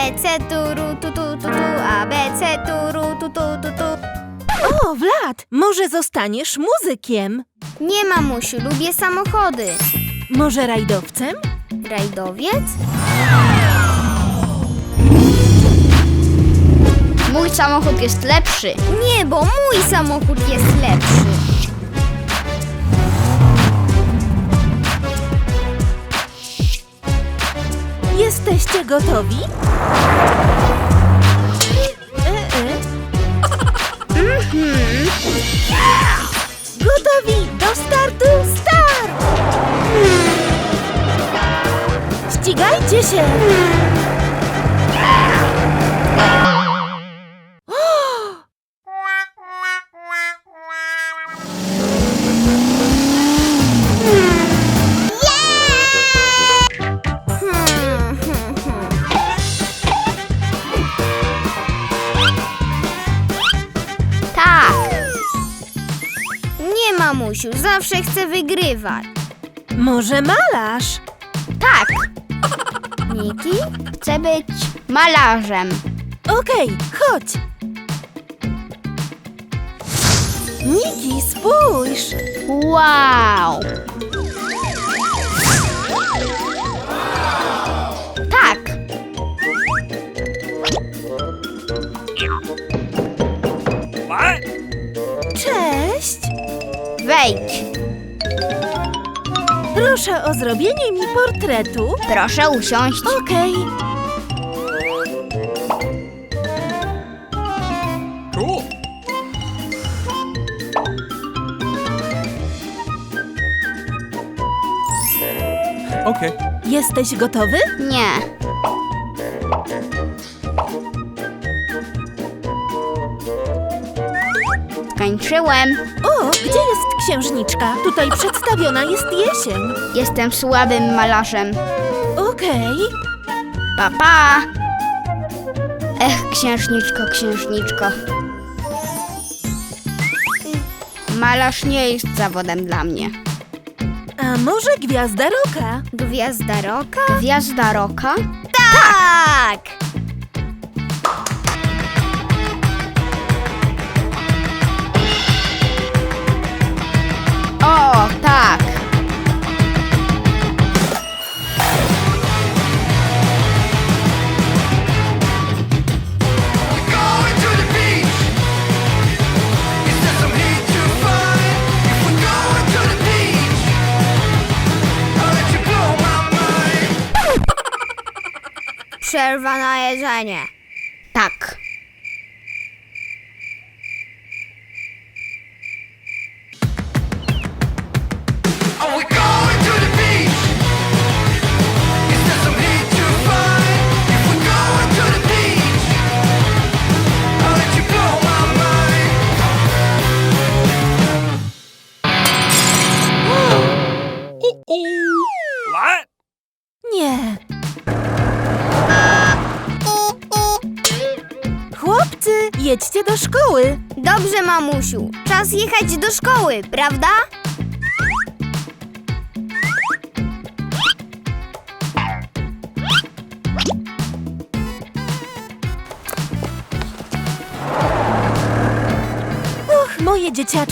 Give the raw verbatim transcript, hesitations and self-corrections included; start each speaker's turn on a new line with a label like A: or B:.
A: C, turu, tu, tu, tu, tu, A, B, C, turu, tu, tu, tu, tu.
B: O, Vlad, może zostaniesz muzykiem?
A: Nie, mamusiu, lubię samochody.
B: Może rajdowcem?
A: Rajdowiec? Mój samochód jest lepszy. Nie, bo mój samochód jest lepszy.
B: Jesteście gotowi? E, e.
A: Mhm.
B: Gotowi do startu, start! Ścigajcie się!
A: Hmm, hmm, hmm. Tak. Nie, mamusiu, zawsze chcę wygrywać.
B: Może malarz?
A: Tak. Niki chce być malarzem.
B: Okej, chodź! Niki, spójrz!
A: Wow. Tak.
B: Cześć!
A: Wejdź.
B: Proszę o zrobienie mi portretu.
A: Proszę usiąść.
B: Okej.
C: Cool. Okay.
B: Jesteś gotowy?
A: Nie. Skończyłem.
B: O, gdzie jest księżniczka? Tutaj przedstawiona jest jesień.
A: Jestem słabym malarzem.
B: Okej.
A: Pa, pa. Ech, księżniczko, księżniczko. Malarz nie jest zawodem dla mnie.
B: A może gwiazda roka?
A: Gwiazda roka? Gwiazda roka? Tak! O, tak!
D: Going to the beach. Is there some heat to find? If we're going to the beach, I'll let you blow my mind.
A: Przerwa na jedzenie. Tak.
D: Are we going to the beach? Is there some heat to find? If we're going to the beach, I'll let you blow my mind.
C: What?
B: Nie. Chłopcy, jedźcie do szkoły.
A: Dobrze, mamusiu. Czas jechać do szkoły, prawda?
B: Och, moje dzieciaczki.